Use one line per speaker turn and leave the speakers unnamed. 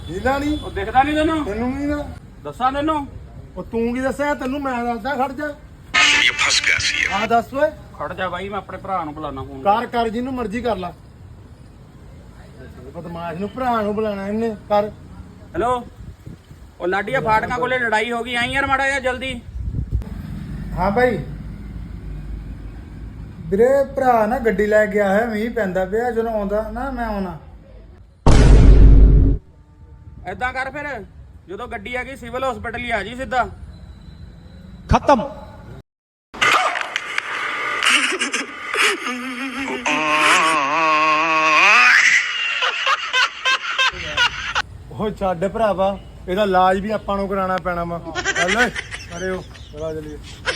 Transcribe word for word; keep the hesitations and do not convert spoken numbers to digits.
ਹੀਲਾ ਨਹੀਂ
ਉਹ ਦਿਖਦਾ ਨਹੀਂ ਤੈਨੂੰ
ਤੈਨੂੰ ਨਹੀਂ ਨਾ
ਦੱਸਾਂ ਤੈਨੂੰ
ਉਹ ਤੂੰ ਕੀ ਦੱਸਿਆ ਤੈਨੂੰ ਮੈਂ ਦੱਸਦਾ ਖੜ ਜਾ
ਇਹ ਫਸ ਗਿਆ ਸੀ
ਆ ਦੱਸ ਓਏ
ਖੜ ਜਾ ਬਾਈ ਮੈਂ ਆਪਣੇ ਭਰਾ ਨੂੰ ਬੁਲਾਣਾ ਫੋਨ
ਕਰ ਕਰ ਜਿਹਨੂੰ ਮਰਜ਼ੀ ਕਰ ਲਾ ਬਦਮਾਸ਼ ਨੂੰ ਭਰਾ ਨੂੰ ਬੁਲਾਣਾ ਇਹਨੇ ਕਰ
ਹੈਲੋ ਉਹ ਲਾਡੀਆ ਫਾਟਕਾਂ ਕੋਲੇ ਲੜਾਈ ਹੋ ਗਈ ਆਈ ਯਾਰ ਮਾੜਾ ਜਿਹਾ ਜਲਦੀ
ਹਾਂ ਭਾਈ ਵੀਰੇ ਭਰਾ ਨਾ ਗੱਡੀ ਲੈ ਕੇ ਆਇਆ ਮੀਂਹ ਪੈਂਦਾ ਪਿਆ ਜਦੋਂ ਆਉਂਦਾ ਨਾ ਮੈਂ ਆਉਣਾ
ਏਦਾਂ ਕਰ ਫਿਰ ਜਦੋਂ ਗੱਡੀ ਆ ਗਈ ਸਿਵਲ ਹਸਪੀਟਲ ਹੀ ਆ ਜੀ ਸਿੱਧਾ
खत्म।
ਉਹ ਛੱਡ ਭਰਾਵਾ ਇਹਦਾ ਇਲਾਜ ਵੀ ਆਪਾਂ ਨੂੰ ਕਰਾਉਣਾ ਪੈਣਾ ਵਾ ਚੱਲ ਓਏ ਅਰੇ ਉਹ ਚਲਾ ਚਲੀਏ